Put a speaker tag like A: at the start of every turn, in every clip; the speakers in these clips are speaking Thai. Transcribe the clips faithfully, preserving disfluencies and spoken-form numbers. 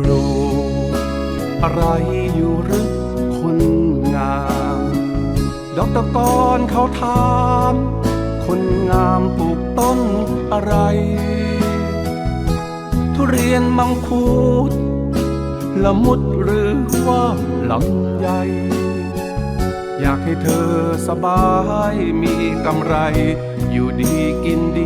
A: ลูกอะไรอยู่หรือคนงามดอกตะกอนเขาถามคนงามปลูกต้นอะไรทุเรียนมังคุดละมุดหรือว่าลำไยอยากให้เธอสบายมีกำไรอยู่ดีกินดี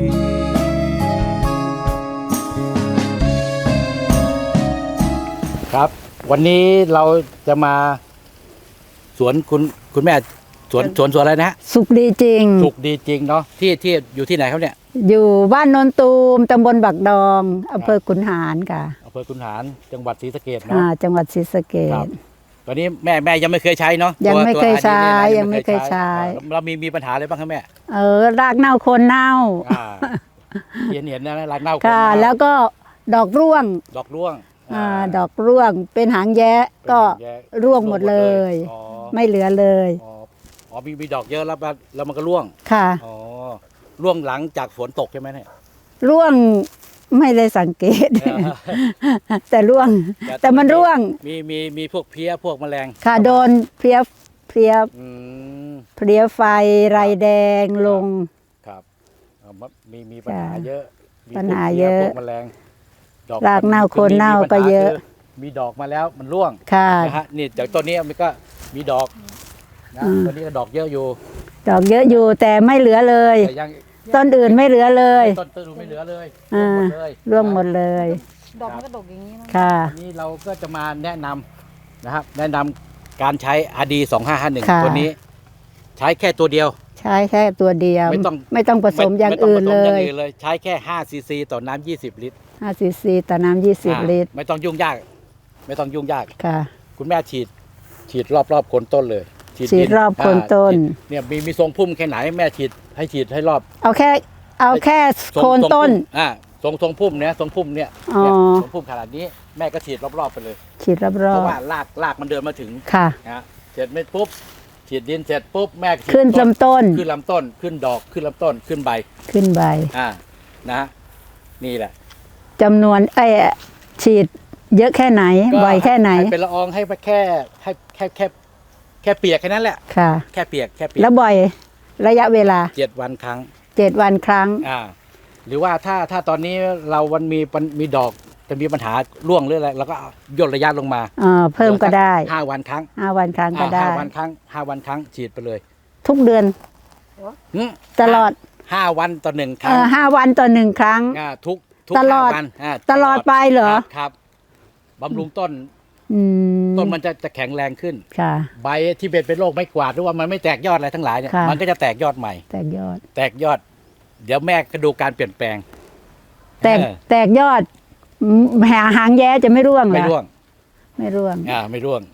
B: ครับวันนี้เราจะมาสวนคุณคุณแม่สวนสวนสวนอะไรนะฮะ
C: สุขดีจริง
B: สุขดีจริงเนาะที่ที่อยู่ที่ไหนครับเนี่ย
C: อยู่บ้านโนนตูมตำบลบักดองอำเภอขุนหารค่ะ
B: อำเภอขุนหารจังหวัดศรีสะเกษเนาะ
C: จังหวัดศรีสะเกษ
B: ตอนนี้แม่แม่ยังไม่เคยใช้เนาะ
C: ยังไม่เคยใช้ยังไม่เคยใช้
B: เรามีมีปัญหาอะไรบ้างครับแม่
C: เออรากเน่าโคนเน่า
B: เห็นเห็นนะรากเน่า
C: ค่ะแล้วก็ดอกร่วง
B: ดอกร่วง
C: อ่าดอกร่วงเป็นหางแย้ก็ร่วงหมดเลยไม่เหลือเลย
B: อ๋อมีมีดอกเยอะแล้วแล้วมันก็ร่วง
C: ค่ะ
B: อ๋อร่วงหลังจากฝนตกใช่ไหมเนี่ย
C: ร่วงไม่ได้สังเกตแต่ร่วงแต่มันร่วง
B: มีมีมีพวกเพี้ยพวกแมลง
C: ค่ะโดนเพี้ยเพี้ยเพี้ยไฟไรแดงลง
B: ครับมีมีปัญหาเยอะ
C: ปัญหาเยอะ
B: พวกแมลง
C: รากเน่าโคนเน่าก็เยอะ
B: มีดอกมาแล้วมันร่วง
C: ค่ะ
B: นะฮะนี่จากต้นนี้มันก็มีดอกนะต้นนี้ก็ดอกเยอะอยู่
C: ดอกเยอะอยู่แต่ไม่เหลือเลยต้นอื่นไม่เหลือเลย
B: ต้นต้นไม่เหลือเลย
C: ร่วงหมดเลย
D: ดอกมันก็ดกอย่างนี้นะ
C: ค่ะ
B: นี่เราก็จะมาแนะนำนะครับแนะนำการใช้ อาร์ ดี สองห้าห้าหนึ่ง ตัวนี้ใช้แค่ตัวเดียว
C: ใช้แค่ตัวเดียว
B: ไม่ต้อง
C: ไม่ต้องผสมอย่างอื่นเลย
B: ใช้แค่ห้าซีซีต่อน้ำยี่สิบลิตร
C: ห้าซีซีต่อน้ำยี่สิบลิตร
B: ไม่ต้องยุ่งยากไม่ต้องยุ่งยาก
C: ค่ะ
B: คุณแม่ฉีดฉีดรอบรอบโคนต้นเลย
C: ฉีดรอบโคนต้น
B: เนี่ยมีมีทรงพุ่มแค่ไหนแม่ฉีดให้ฉีดให้รอบ
C: เอาแค่เอาแค่โคนต้น
B: อ่าทรงทรงพุ่มเนี่ยทรงพุ่มเนี่ยทรงพุ่มขนาดนี้แม่ก็ฉีดรอบๆไปเลย
C: ฉีดรอบๆ
B: เพราะว่ารากรากมันเดินมาถึง
C: ค่ะ
B: นะเสร็จเม็ดปุ๊บฉีดดินเสร็จปุ๊บแม่
C: ขึ้นลำต้น
B: ขึ้นลำต้นขึ้นดอกขึ้นลำต้นขึ้นใบ
C: ขึ้นใบ
B: อ่านะนี่แหละ
C: จำนวนไอ้ฉีดเยอะแค่ไหนบ่อยแค่ไหน
B: เป็นละอองให้แค่ให้แค่แค่แค่เปียกแค่นั้นแหละ
C: ค่ะ
B: แค่เปียกแค่เปียก
C: แล้วบ่อยระยะเวลา
B: เจ็ดวันครั้ง
C: เจ็ดวันครั้ง
B: อ่าหรือว่าถ้าถ้าตอนนี้เราวันมีมีดอกจะมีปัญหาร่วงหรืออะไรเราก็ย่นระยะลงมา
C: อ่าเพิ่มก็ได้
B: ห้าวันครั้ง
C: ห้าวันครั้งก็ได้
B: ห้าวันครั้งห้าวันครั้งฉีดไปเลย
C: ทุกเดือนตลอด
B: ห้าวันต่อหนึ่งครั้ง
C: ห้าวันต่อหนึ่งครั้ง
B: อ่าทุก
C: ตลอดตลอดไปเหรอ
B: ครับบำรุงต้นต้นมันจะจะแข็งแรงขึ้นใบที่เป็นเป็นโรคไม้กวาดหรือว่ามันไม่แตกยอดอะไรทั้งหลายเนี่ยมันก็จะแตกยอดใหม่
C: แตกยอด
B: แตกยอดเดี๋ยวแม่ก็ดูการเปลี่ยนแปลง
C: แตกแตกยอดหาหางแย้จะไม่ร่วง
B: ไม่ร่วง
C: ไม่ร่วง
B: อ่าไม่ร่วง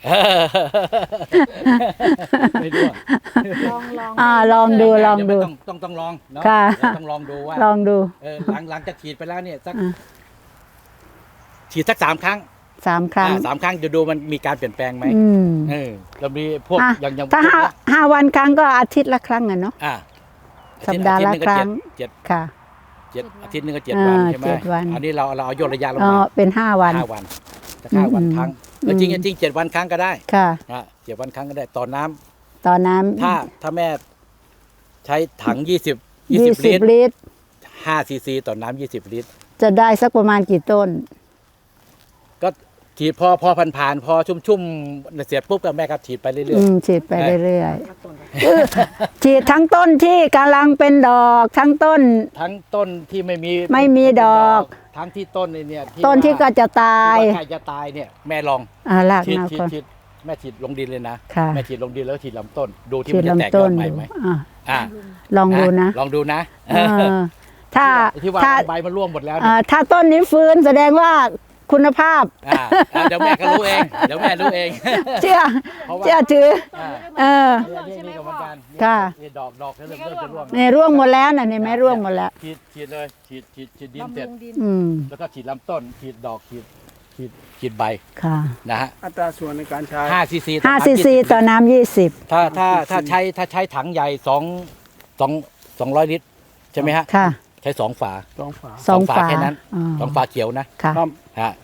B: ไม่ร่วง
C: ลองลองอ่าลองดูลองดู
B: ต้องต้องต้องลองเนาะต้องลองดูว่า
C: ลองดู
B: เออหลังหลังจากฉีดไปแล้วเนี่ยสักฉีดสักสามครั้ง
C: สามครั้ง
B: สามครั้งจะดูมันมีการเปลี่ยนแปลงไหมเออเรามีพวกอย่างอย่าง
C: ถ้าห้าห้าวันครั้งก็อาทิตย์ละครั้งอ่ะเนาะสัปดาห์ละครั้ง
B: เจ็ด
C: ค่ะ
B: เจ็ดอาทิตย์นึงก็เจ็ดวันใช่ไหมอันนี้เราเราเอาย่นระยะลงมา
C: เป็นห้าวัน
B: ห้าวันจะห้าวันครั้งแล้วจริงจริงเจ็ดวันครั้งก็ได้
C: ค่ะ
B: เจ็ดวันครั้งก็ได้ต่อน้
C: ำต่อน้ำ
B: ถ้าถ้าแม่ใช้ถังยี่สิบยี่สิบลิตรห้าซีซีต่อน้ำยี่สิบลิตร
C: จะได้สักประมาณกี่ต้น
B: ก็ฉีดพอพอผ่านผ่านพอชุ่มชุ่มเสียปุ๊บก็แม่ก็ฉีดไปเรื่อย
C: ๆฉีดไปเรื่อยๆฉีดทั้งต้นที่กำลังเป็นดอกทั้งต้น
B: ทั้งต้นที่ไม่มี
C: ไม่มีดอก
B: ทั้งที่ต้นเนี่ย
C: ต้นที่ก็จะตาย
B: ใครจะตายเนี่ยแม่ลองฉีดฉีดฉีดแม่ฉีดลงดินเลยนะแม่ฉีดลงดินแล้วฉีดลำต้นดูที่มันจะแตกยอดใหม่ไหม
C: อ่าลองดูนะ
B: ลองดูนะ
C: ถ้า
B: ที่ว่าใบมันร่วงหมดแล้ว
C: ถ้าต้นนี้ฟื้นแสดงว่าคุณภาพ
B: เดี๋ยวแม่ก็รู้เองเดี๋ยวแม่รู้เอง
C: เชื่อเชื่อถือเออค่ะ
B: ดอกดอกเริ่มเริ่มจะร่วง
C: เนี่ยร่วงหมดแล้วน่ะนี่ไม่ร่วงหมดแล้ว
B: ฉีดฉีดเลยฉีดฉีดฉีดดินเสร็จแล้วก็ฉีดลำต้นฉีดดอกฉีดฉีดฉีดใบ
C: ค่ะ
B: นะฮะ
A: อัตราส่วนในการใช้
B: ห้าซีซี
C: ห้าซีซีต่อน้ำยี่สิบ
B: ถ้าถ้าถ้าใช้ถ้าใช้ถังใหญ่สองสองสองร้อยลิตรใช่ไหมฮะ
C: ค่ะ
B: ใช้สองฝา
A: สองฝา
C: สองฝา
B: แค่นั้นสองฝาเขียวนะ
C: ค่ะ
B: ฮะ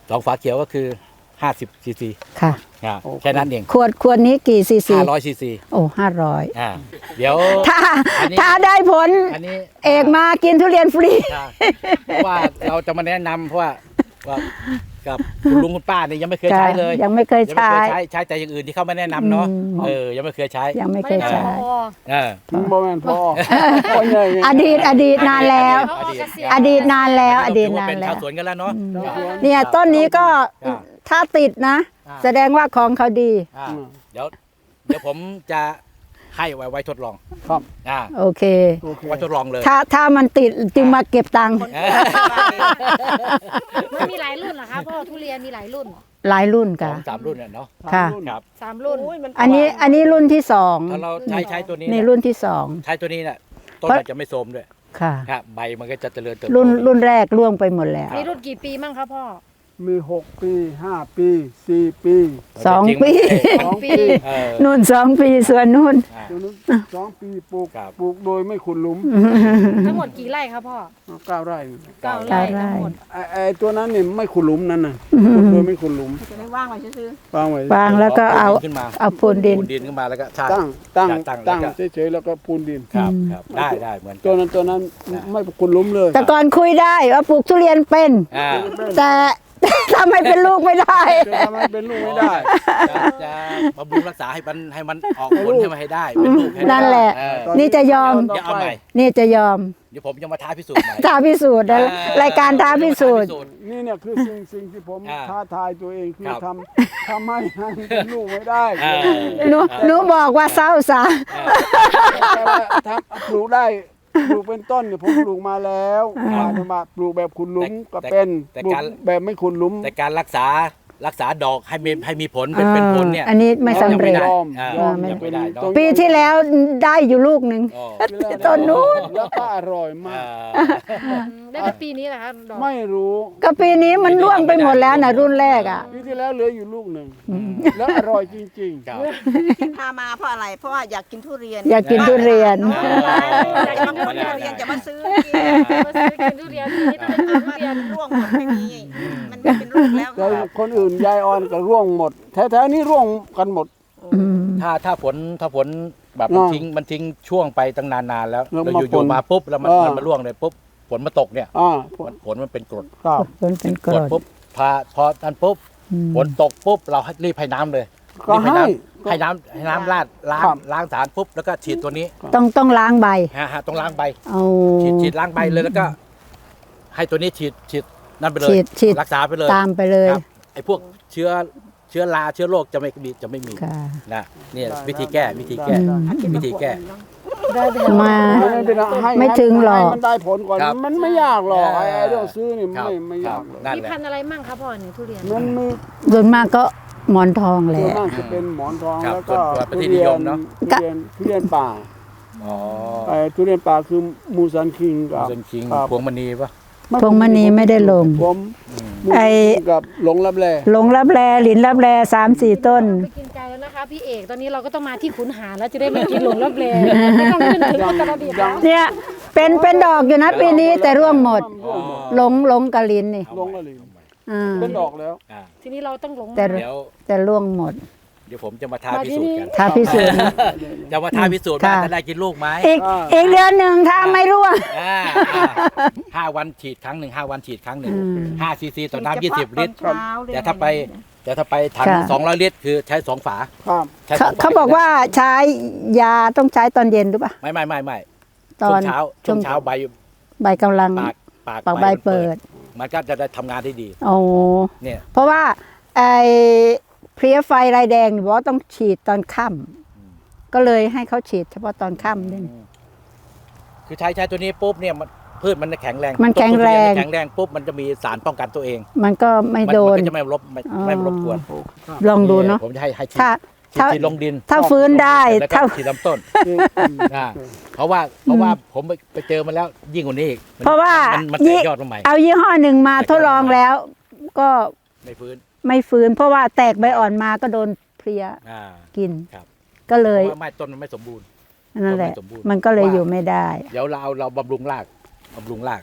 B: สองฝาเขียวก็คือห้าสิบซีซี
C: ค่ะ
B: แค่นั้นเอง
C: ขวดขวดนี้กี่ซีซี
B: ห้าร้อยซีซี
C: โอ้ห้าร้อย
B: อ่าเดี๋ยว
C: ถ้า
B: อันนี้
C: ถ้าได้ผล
B: อันนี้
C: เอกมากินทุเรียนฟรี
B: อ่าเพราะว่าเราจะมาแนะนำเพราะว่าว่ากับคุณลุงคุณป้านี่ยังไม่เคยใช้เลย
C: ยังไม่เคย
B: ยังไม่
C: ใช้
B: เคยใช้ใช้แต่อย่างอื่นที่เขาไม่แนะนำเนาะ
C: อืม
B: เออยังไม่เคยใช้
C: ยังไม่เคย
D: ไม่
C: ใช้
D: ได้พอ
B: เออ
E: มันบ่แม่นพ่อพ่อใหญ่
C: อดีตอดีตนานแล้ว
D: เขาออกเกษียณ
C: อดีตนานแล้ว อดีต
B: ถืว่
C: นาน
B: เป็น
C: แล้
B: ชาว วสวนกันแล้วเนาะ
C: เนี่ยต้นนี้ก็
B: ครับ
C: ถ้าติดนะ
B: อ่า
C: แสดงว่าของเขาดี
B: อ่าเดี๋ยวเดี๋ยวผมจะให้ไว้ไว้ทดลอง
E: ครับ
B: อ่า
C: โอเค
E: โอเค
B: ไว้ทดลองเลย
C: ถ้าถ้ามันติดจึงมาเก็บตังค์
B: เออ
D: มันมีหลายรุ่นเหรอคะพ่อทุเรียนมีหลายรุ่น
C: หลายรุ่น
B: ส
C: กั
B: อน งสามรุ่นเนี่ยเนาะ
C: ค่ะ
B: ครับ
D: สามรุ่น
C: อันนี้อันนี้รุ่นที่สอง
B: ถ้าเราใช้ใช้ตัวนี้
C: นี่
B: เนี่ย
C: รุ่นที่สอง
B: ใช้ตัวนี้เนี่ยต้น
C: เพราะ
B: มันจะไม่โทรมด้วย
C: ค่ะ
B: ครับใบมันก็จะเจริญเติบโต
C: รุ่นรุ่นแรกล่วงไปหมดแล้ว
D: มีรุ่นกี่ปีมั่งคะพ่อ
E: มีหกปีห้าปีสี่ปี
C: สอง
B: จริๆ
C: ปี
E: สองปี
B: เออ
C: นู่นสองปีส่วนนู่น
B: อ่า
E: ตัวนู้นสองปีปลูก
B: ครับ
E: ปลูกโดยไม่ขุดหลุม
D: ทั้งหมดกี่ไร่คะพ่อ
E: เก้าไร่
D: เก้า
C: เก้า
D: ไร่
C: ไร่
D: ทั้งหมด
E: ไอ้ไอ้ตัวนั้นนี่ไม่ขุดหลุมนั่นน่ะขุดโดยไม่ขุดหลุม
D: จะได้ว่างไว้ซื้อ
E: วางไว้
C: วางแล้วก็เอา
B: ขึ้นมา
C: เอาปูนดิน
B: ปูนดินขึ้นมาแล้วก็ใช่
E: ตั้งตั้ง
B: ตั้ง
E: ตั้ง
B: แล้วก็
E: เฉยๆแล้วก็ปูนดิน
B: ครับครับได้ได้เหมือนกั
E: ตัวนั้นตัวนั้นไม่ขุดหลุมเลย
C: แต่ก่อนคุยได้ว่าปลูกทุเรียนเป็น
B: อ่า
C: แต่ ทำให้เป็นลูกไม่ได้
E: จะทำให้เป็นลูกไม่ได้
B: จะจะบำรุงรักษาให้มันให้มันออกผลให้มันให้ได้เป็นลูกให้ได้
C: นั่นแหละ
B: เออ
E: ตอน
C: นี่จะยอม
B: เดี๋ยวเอาใหม่
C: นี่จะยอม
B: เดี๋ยวผมจะมาท้าพิสูจน์ใหม่
C: ท้าพิสูจน์นะ
B: เออ
C: รายการท้าพิสูจน์
E: นี่เนี่ยคือสิ่งสิ่งที่ผม
B: อ่า
E: ท้าทายตัวเองคือ
B: ครับ
E: ทำทำให้ให้เป็นลูกไม่ได้
B: อ่า
C: หนูหนูบอกว่าเศร้าซะ
E: แต่ว่าทำปลูกได้ปลูกเป็นต้นเนี่ยผมปลูกมาแล้วมาจะมาปลูกแบบขุดหลุมก็เป็น
B: แต่
E: ปลูก
B: การ
E: แบบไม่ขุดหลุม
B: แต่การรักษารักษาดอกให้มีให้มีผลเป็นเป็นผลเนี่ย
C: อันนี้ไม่สำเร็จ
B: ยังไม่ได้
E: ยอม
B: อ่าย
E: อม
B: ยังไม่ได้เนอะ
C: ปีที่แล้วได้อยู่ลูกหนึ่ง
B: อ๋อ
C: ต้นนู้น
E: แล้วก็อร่อยมา
B: อ่าก
D: ได้แต่ปีนี้แหละคะดอก
E: ไม่รู้
C: ก็ปีนี้มันร่วงไปหมดแล้วนะรุ่นแรกอ่ะ
E: ปีที่แล้วเหลืออยู่ลูกหนึ่งแล้วอร่อยจริง
B: ครับ
F: ที่พามาเพราะอะไร เพราะว่าอยากกินทุเรียน
C: อยากกินทุเรียน
B: เออ
F: อยากมากินทุเรียนจะมาซื้อกิน
D: มาซื้อกินทุเรียนปีนี้ต้องเป็นทุเรียน
F: ร่วงหมดไม่มี มันไม่เป็นลูกแล้ว
E: ๆแต่คนอื่นยายออนก็ร่วงหมดแถวๆนี้ร่วงกันหมด
B: ถ้าถ้าฝนถ้าฝนแบบ
E: อ่า
B: มันทิ้งมันทิ้งช่วงไปตั้งนานๆแล้ว
E: แล้ว
B: แล้ว
E: มา
B: อยู่
E: ฝน
B: ๆมาปุ๊บแล้วมัน
E: อ่ามั
B: มันมาร่วงเลยปุ๊บฝนมาตกเนี่ย
E: อ่า
B: มันฝนมันเป็นกรด
E: ครับ
C: ฝนเป็นกรด
B: ปุ๊บพอพอนั้นปุ๊บ
C: อืม
B: ฝนตกปุ๊บเราให้รีบให้น้ำเลย
E: ก็
B: รีบ
E: ให้
B: น้ำให้น้ำให้น้ำราดล้าง
E: ครับ
B: ล้างสารปุ๊บแล้วก็ฉีดตัวนี้
C: ต้องต้องล้างใบ
B: ฮะฮะต้องล้างใบ
C: เอา
B: ฉีดฉีดล้างใบเลยแล้วก็ ให้ตัวนี้ฉีดฉีดนั่นไปเลย
C: ฉีดฉีด
B: รักษาไปเลย
C: ตามไปเลย
B: ครับไอ้พวกเชื้อเชื้อราเชื้อโรคจะไม่มีจะไม่มี
C: ค่ะ
B: นะเนี่ยวิธีแก้วิธีแก้
C: อืม
B: วิธีแก้
C: มา
E: ไม่เป็นไรให้
C: ไม่ถึงหรอก
E: ให้มันได้ผลก่อน
B: ครับ
E: มันไม่ยากหรอก
B: เออ
E: ไอ้ไอ้เรื่องซื้อนี่
B: ครับ
E: ไม่ไม่
B: ครั
E: ยา
B: บ
E: กหรอก
B: นั่น
D: มี
B: แหละ
D: พันธุ์อะไรมั่งคะพ่อเนี่ยทุเรียน
E: มันมี
C: ส่วนมากก็หมอนทองแห
E: ส่วน
C: ละ
E: มากจะเป็นหมอนทอง
B: ครับ
E: แล้วก็
B: ส่วนตัวเป็นที่
E: ทุ
B: นิ
E: เรี
B: ย
E: ย
B: ม
E: น
B: เนอะ
E: ทุเรียนทุเรียนป่า
B: อ๋อ
E: ไอ้ทุเรียนป่าคือมูซันคิงกับ
B: เซนคิง
E: ครับ
B: พวงมณีปะ
C: พวงมณีไม่ได้ลง
E: ผมมู
C: ไอ้
E: กับหลงรับแล
C: หลงรับแลหลินรับแลสามสี่ต้น
D: ไปกินไกลแล้วนะคะพี่เอกตอนนี้เราก็ต้องมาที่ขุนหารแล้วจะได้ไม่กินหลงรับเลไม่ต้องขึ้นถึงอุตรดิตถ์แล้ว
C: เนี่ยเป็นเป็นดอกอยู่นะปีนี้แต่ร่วงหมด
E: ร่วงหมด
C: หลงหลงกะลินนี่
E: หลงละลิน
C: อ่า
E: เป็นดอกแล้ว
B: อ่า
D: ทีนี้เราต้องหลง
C: แต่
B: เดี๋ยว
C: แต่ร่วงหมด
B: เดี๋ยวผมจะมาท้า
D: มา
B: พิ
D: ที่
B: สูจ
D: นี่
B: น์กัน
C: ท้าพิสูจน์
B: จะมาท้าพิสูจน์ว่า
C: ค่ะ
B: จะได้กินลูกไหม
C: อีก
E: อ่า
C: อีกเดือนหนึ่งถ้าไม่ร่วง
B: อ่าอ่าห้าวันฉีดครั้งหนึ่งห้าวันฉีดครั้งหนึ่ง
C: อืม
B: ห้าซีซีต่อน้ำยี่สิบลิตร
F: เช้าเลย
B: แต่ถ้าไปแต่ถ้าไปถัง
C: ค่ะ
B: สองร้อยลิตรคือใช้สองฝา
E: ครับ
B: ใช้ส
C: เขา
B: งฝ
C: เขาบอกว่าใช้ยาต้องใช้ตอนเย็นหรือเปล่า
B: ไม่ไม่ไม่ไม่
C: ต
B: ช่
C: อ
B: วน งเช้าช่วงเช้าใบ
C: ใบกำลัง
B: ปากปาก
C: ปากใบเปิด
B: มันก็จะได้ทำงานได้ดี
C: โอ้
B: เนี่ย
C: เพราะว่าไอ้เพลี้ยไฟลายแดงบอกว่าต้องฉีดตอนค่ำก็เลยให้เขาฉีดเฉพาะตอนค่ำด้วย
B: คือใช้ใช้ตัวนี้ปุ๊บเนี่ยมันพืชมันจะแข็งแรง
C: มันแข็งแรง
B: ต้นทุเยนมันแข็งแรงปุ๊บมันจะมีสารป้องกันตัวเอง
C: มันก็ไม่
B: มั
C: โดน
B: มัก็จะไม่รบไม่
C: อ๋อ
B: ไม่รบกวน
C: ลองดูเนาะ
B: ผมจะให้ให้ฉีด
C: ถ้า
B: ฉีด
C: ถ้า
B: ฉีดลงดิน
C: ถ้าฟื้นได้
B: แล้วก็
C: ถ้า
B: ฉีดลำต้น อ่าเพราะว่าเพราะว่าผมไปไปเจอมาแล้วยิ่งกว่านี้อีกมัน
C: เพราะว่า
B: มันมันแต
C: ยี่
B: กยอดมาใหม่
C: เอายี่ห้อหนึ่งมาทดลองแล้ว ก็
B: ไม่ฟื้น
C: ไม่ฟื้น เพราะว่าแตกใบอ่อนมาก็โดนเพลี้ย
B: อ่า
C: กิน
B: ครับ
C: ก็เลย
B: เพราะว่าไม่ต้นมันไม่สมบูรณ์
C: นั่นแหละ
B: ไม่สมบูรณ์
C: มันก็เลยอยู่ไม่ได้
B: เดี๋ยวเราเอาเราบำรุงรากบำรุงราก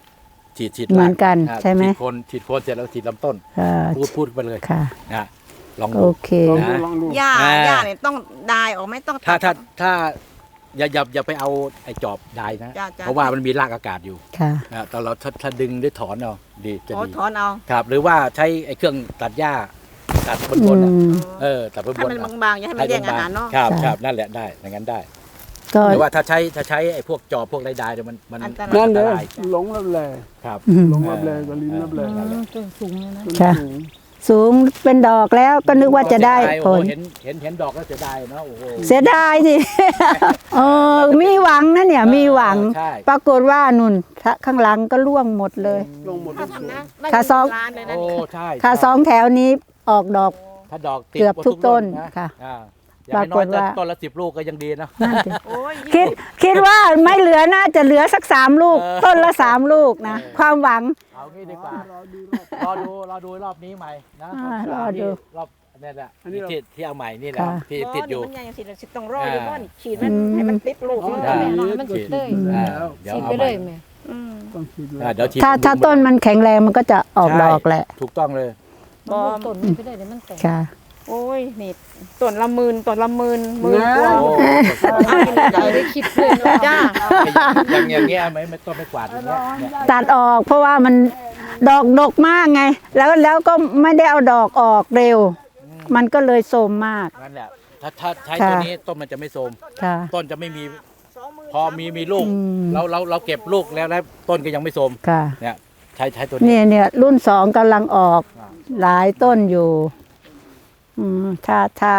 B: ฉีดฉีด
C: เหมือนกัน
B: อ่า
C: ใช่ไหม
B: ฉีดโคนฉีดโคนเสร็จแล้วฉีดลำต้น
C: ค่ะ
B: พูดพูดไปเลย
C: ค่ะ
B: นะลอง
C: โอ
B: ดู
C: เค
E: ลองดู
B: นะ
E: ลองดู
F: หญ้า
B: อ่า
F: หญ้าเนี่ยต้องดายออกไหม่ต้อง
B: ถ้า
F: ตัด
B: ถ้าถ้าอย่าอย่าอย่าไปเอาไอ้จอบได้นะ
F: จ้ะจ้ะ
B: เพราะว่ามันมีรากอากาศอยู่
C: ค่ะ
B: นะแต่เราถ้าถ้าดึงด้วยถอนเอาดีจะ
F: อ๋อ
B: ดี
F: ถอนเอา
B: ครับ หรือว่าใช้ไอ้เครื่องตัดหญ้าตัดบน
C: อื
B: บนๆอะ
C: ม
B: เออตัดบน
F: ให้
B: บน
F: มันบางๆอย่าให้มันแย่งอาหารเนาะ
B: ครับ
C: ใช่
B: ครับนั่นแหละได้อย่างนั้นได้
C: ก็
B: หรือว่าถ้าใช้ถ้าใช้ไอ้พวกจอบพวกไรได้เนี่ยมันมัน
F: อันตราย
B: มั
E: นั่น
B: อัน
E: เล
B: ต
E: ย
B: ราย
E: หลงรับแล
B: ครับ
C: อืม
E: หลงรับแลกับลิ้นรับแล
B: นั่นแหละ
D: ต้นสูงเลยนะ
E: ต้น
C: ค่ะ
E: สูง
C: สูงเป็นดอกแล้วก็นึกว่าจะได้
B: โอ้
C: ผ
B: โห
C: ล
B: เห็นเห็นเห็นดอกแล้วเสียดายเนาะโอ้โห
C: เสียดายสิ เออมีหวังนะเนี่ยมีหวัง
B: ใช่
C: ปรากฏว่านุ่นถ้าข้างหลังก็ร่วงหมดเลย
E: ลงหมด
F: ถ้า
E: ทุกสูง
F: ทำนะ
C: ถ้าซอง
F: ร้านเลยนะ
B: โอ้
F: นี่
B: ใช่
C: ค่ะสองแถวนี้ออกดอก
B: ถ้าดอกติด
C: เกือบ
B: หมด
C: ทุกต้น
B: รุ่
C: ค่ะ
B: อ่าอย่างน้อย
C: ปรากฏว่า
B: ต้นละสิบลูกก็ยังดีนะ
C: นั่นสิ
F: โอ้ย
C: คิดคิดว่าไม่เหลือน่าจะเหลือสักสามลูก
B: เออ
C: ต้นละสามลูกนะ
B: เออ
C: ความหวัง
B: เอางี้ดีกว่ารอดูรอดูรอบนี้ใหม่นะ
C: อ่าร
B: ร
C: อ
B: อบ
C: ดู
B: นี้รอบนี่แหละที่ที่เอาใหม่นี่แหละ
C: ค่ะ
B: ที่
F: อ๋อ
B: ติดอยู่
F: มันยังสิสิต้องรออยู่บ้านฉีดมัน
C: อืม
F: ให้มันติดลูก
E: อ๋อ
F: มัน
B: ได้
F: แน่นอน
D: มัน
E: ก็
D: ติด
E: ฉีด
D: เลย
E: แล้ว
B: เดี๋ยว
D: ฉีด
B: เอา
D: ไป
B: ให
D: เล
B: ม่
D: ยแม่
F: อืม
E: ต้องฉีดแล้
B: อ่าว เดี๋ยวฉีด
C: ถ้าถ้าต้นมันแข็งแรงมันก็จะออกดอกแหละ
B: ถูกต้องเลย
F: บอม
D: ต้นมันไปเลยเดี๋ยวมันแตก
C: ค่ะ
F: โอ้ยนี่ต้นละหมื่นต้นละหมื่นหมื่นกว่า
B: โอ้
F: เอากินใจ
D: ไม่ได้คิดเลยเนาะ
F: จ้า
B: อย่างอย่างเงี้ยไม่ไม่ต้องไม่กวาดอย่างเงี้ยเนี่ย
C: ตัดออกเพราะว่ามันดอกดกมากไง แล้วแล้วก็ไม่ได้เอาดอกออกเร็ว มันก็เลยโทรมมาก
B: นั่นแหละถ้าถ้าใช้
C: ค่ะ
B: ตัวนี้ต้นมันจะไม่โทรม
C: ค่ะ
B: ต้นจะไม่มีพอมีมีลูก
C: อืม
B: เราเราเราเก็บลูกแล้วแล้วต้นก็ยังไม่โทรม
C: ค่ะ
B: เนี่ยใช้ใช้ตัวนี้
C: เนี่ยเนี่ยรุ่นสองกำลังออก
B: อ่า
C: หลายต้นอยู่ อืมถ้าถ้า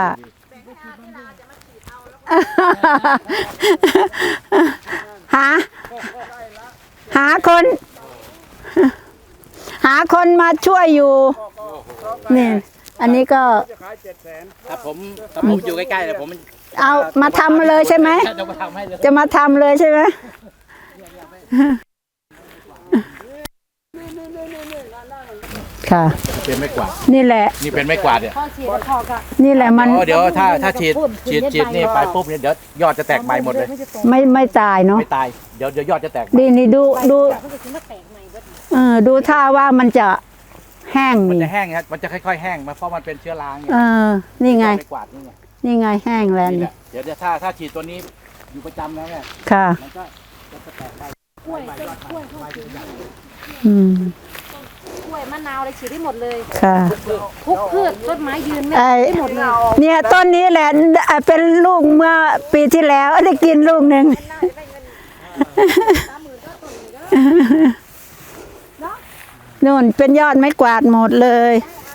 C: หา หาคน หาคนมาช่วยอยู่ นี่ อันนี้ก็
E: จะขายเจ็ดแสน
B: ถ้าผมถ้าผมอยู่ใกล้ๆเลยผม
C: เอามาทำมาเลยใช่ไหม
B: จะมาทำให้เลย
C: จะมาทำเลยใช่ไหม ค่ะ
B: เป็นไม้กวาด
C: นี่แหละ
B: นี่เป็นไม้กวาดเนี่ย
D: พอฉีดแล้วพอกะ
C: นี่แหละมัน
B: อ๋อเดี๋ยวถ้าถ้าฉีดฉีดฉีดนี่ไปปุ๊บเนี่ยเดี๋ยวยอดจะแตกใบหมดเลย
D: นจะแตก
C: ไม่ไม่ตายเนาะ
B: ไม่ตายเดี๋ยวเดี๋ยวยอดจะแตกใบ
C: ดีนี่ดูดู
D: มันจะขึ้นมาแตกใหม่เบิด
C: เออดูท่าว่ามันจะแห้ง
B: มัน
C: นี่
B: จะแห้งครับมันจะค่อยๆแห้งมาเพราะมันเป็นเชื้อราไง
C: เออ นี่ไง
B: ไม้กวาดนี่ไง
C: นี่ไงแห้งแล้ว
B: นี่แห
C: นี่
B: ละเดี๋ยวถ้าถ้าฉีดตัวนี้อยู่ประจำแล้วเนี่ย
C: ค่ะ
B: มันก็จะแตกใบ
D: กล้วยต้นกล้วยเข้าถึง
C: อืม
D: กล้วยมะนาวอะไรฉีดได้หมดเลย
C: ค่ะ
D: ทุกพืชต้นไม้ยืนไม่
C: ไอ้
D: ได้หมดเลย
C: เนี่ยต้นนี้แหละอ่ะเป็นลูกเมื่อปีที่แล้วได้กินลูกหนึ่งนู่นเป็นยอดไม้กวาดหมดเลย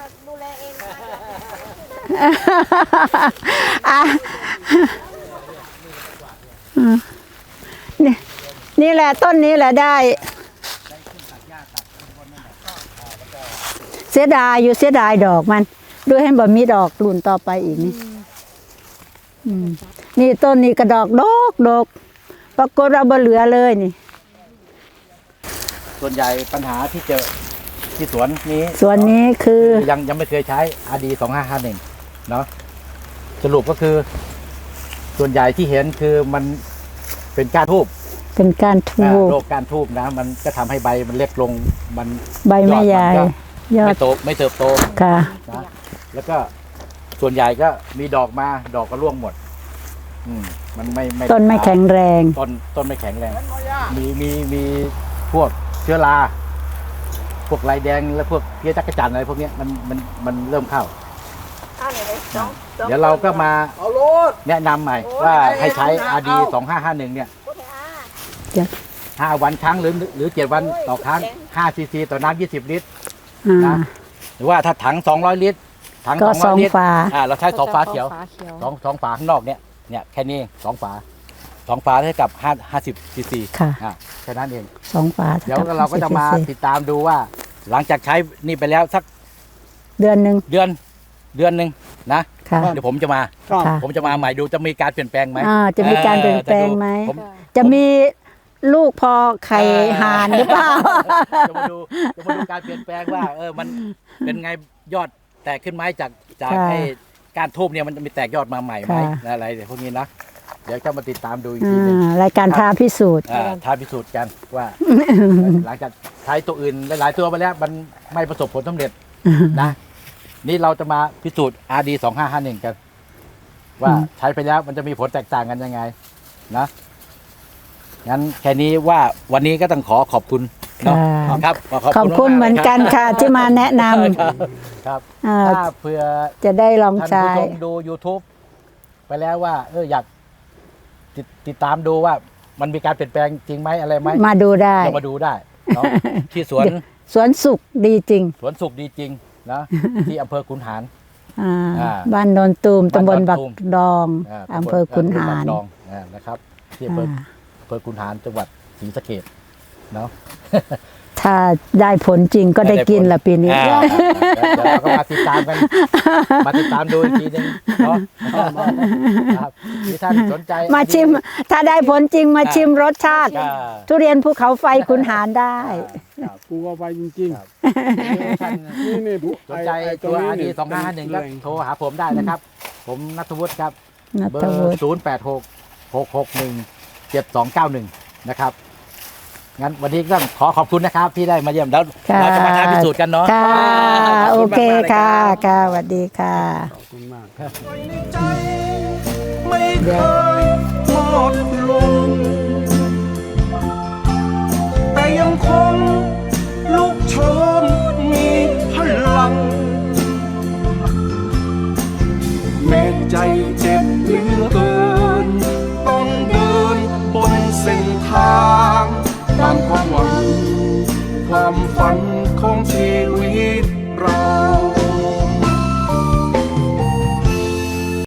C: อ่ะอืมนี่นี่แหละต้นนี้แหละได้ เสียดายอยู่เสียดายดอกมันดูให้บ่มีดอกหลุนต่อไปอีกนี่อืมนี่ต้นนี้กระดอกดอกดอกปรากฏเราบ่เหลือเลยนี่
B: ส่วนใหญ่ปัญหาที่เจอที่สวนนี้
C: ส่วนนี้คือ
B: ยังยังไม่เคยใช้ อาร์ ดี สองห้าห้าหนึ่งเนาะสรุปก็คือ ส่วนใหญ่ที่เห็นคือมันเป็นก้านทูบ
C: เป็นการทู
B: อ่า
C: บ
B: โรคก้านทูบนะ มันก็ทำให้ใบมันเล็กลงมัน
C: ใบไม้ใหญ่
B: ยอด
C: ยอ
B: มัน
C: ด
B: ก็ไม่โตไม่เติบโต
C: ค่ะ
B: นะแล้วก็ส่วนใหญ่ก็มีดอกมาดอกก็ร่วงหมด อืมมันไม่ไม่
C: ต้นไม่แข็งแรง
B: ต้นต้นไม่แข็งแรง มีมีมีพวกเชื้อราพวกลายแดงและพวกเพี้ยจักรจันทร์อะไรพวกเนี้ยมันมันมันเริ่มเข้า
F: เอาเนี่ยเลยสองสอง
B: เดี๋ยวเราก็มา
E: เอาโลด
B: แนะนำใหม่ว่าให้ใช้ อาร์ ดี สองห้าห้าหนึ่งเนี่ย
F: พูดให้อา
C: จ้ะ
B: ห้าวันครั้งหรือหรือเจ็ดวันต่อครั้งห้าซีซีต่อน้ำยี่สิบลิตร
C: อ่า
B: นะ หรือว่าถ้าถังสองร้อยลิตรถัง
C: ก็
B: สองร้อยลิตร
C: สองฝา
B: อ่าเราใช้สองฝาเขียว
D: ฝาเขียว
B: สองสองฝาข้างนอกเนี่ยเนี่ยแค่นี้สองฝาสองฝาเท่ากับห้าห้าสิบซีซี
C: ค่ะ
B: อ่าแค่นั้นเอง
C: สองฝา
B: เดี๋ยวเราก็จะมาติดตามดูว่า หลังจากใช้นี่ไปแล้วสัก
C: เดือนหนึ่ง
B: เดือนเดือนหนึ่งนะ
C: ค่ะ
B: เดี๋ยวผมจะมา
E: ครับ
C: ค่ะ
B: ผมจะมาใหม่ดูจะมีการเปลี่ยนแปลงไหม
C: อ่าจะมีการเปลี่ยนแปลงไหม
B: ผม
C: จะมีลูกพอไข่ห่านหรือเปล่า
B: จะมาดูจะมาดูการเปลี่ยนแปลงว่า เออมันเป็นไงยอดแตกขึ้นไหมจากจาก
C: ค่ะ
B: ไอ้การทูบเนี่ยมันจะมีแตกยอดมาใหม่ไหม
C: ค่ะ
B: อะไรพวกนี้นะเดี๋ยวจะมาติดตามดูอีก
C: อ่
B: ทีหนึง
C: ารายการท้าพิสูจน์
B: อ่าท้าพิสูจน์กันว่า หลังจากใช้ตัวอื่นหลายๆตัวไปแล้วมันไม่ประสบผลสำเร็จนะนี่เราจะมาพิสูจน์ อาร์ ดี สองห้าห้าหนึ่งกัน ว่าใช้ไปแล้วมันจะมีผลแตกต่างกันยังไงนะงั้นแค่นี้ว่าวันนี้ก็ต้องขอขอบคุณเนาะ
C: ค่ะ
B: ครับ
C: ขอบคุณ
B: ากๆ
C: เหมือนกัน
B: รับ
C: ค่ะที่มาแนะน
B: ครับครับ
C: ำอ่า
B: ถ้าเผื่อ
C: จะได้ลอง
B: ท่าน
C: ใช้
B: ผู้ชมดู YouTube ไปแล้วว่า เอออยากติดติดตามดูว่ามันมีการเปลี่ยนแปลงจริงไหมอะไรไหม
C: มาดูได้
B: เรามาดูได้เนาะที่สวน
C: สวนสุขดีจริง
B: สวนสุขดีจริงนะที่อำเภอขุนหาร
C: อ่า
B: อ่า
C: บ้านโนนตูมตำบลบัก
B: บ้านโนนตูม
C: ดอง
B: า
C: อำเภอขุนหาร
B: ตำบลดองอ่านะครับที่อำเภอ
C: อ่า
B: อำเภอขุนหารจังหวัดศรีสะเกษเนาะ
C: ถ้าได้ผลจริงก็ได้กินละปีนี้
B: อ่าเดี๋ยวเราก็มาติดตามกัน มาติดตามดูอีกทีหนึงเนาะครับที่ท่านสนใจ
C: มาชิม ถ้าได้ผลจริงมาชิมรสชาติ
B: อ่า
C: ทุเรียนภูเขาไฟขุนหารได้
B: ครับ
E: กูก็ไปจริง
B: ครับ
E: ๆ
B: ท่าน
E: นี่นี่ผู้
B: สนใจ
E: ไอ้
B: ตัว
E: นี้
B: อาร์ดีสองห้าหนึ่งก็
E: แหล่
B: โทรหาผมได้นะครับ ผมนัทวุฒิครับ
C: นัท
B: เบอ
C: วุฒิ
B: ร์ศูนย์แปดหกหกหกหนึ่งเจ็ดสองเก้าหนึ่งนะครับ งั้นวันนี้ก็ขอขอบคุณนะครับที่ได้มาเยี่ยมแล้ว
C: ค่ะ
B: เราจะมาท้าพิสูจน์กันเนาะ
C: ค่ะ
B: ขบ
C: โอ
B: ณ
C: เค
B: มากๆลย
C: ค่ะ
B: รับ
C: ค่ะสวัสดีค่ะ
E: ขอบคุณมาก
A: ไว้ในใจไม่เคยหมดลงแต่ยังคง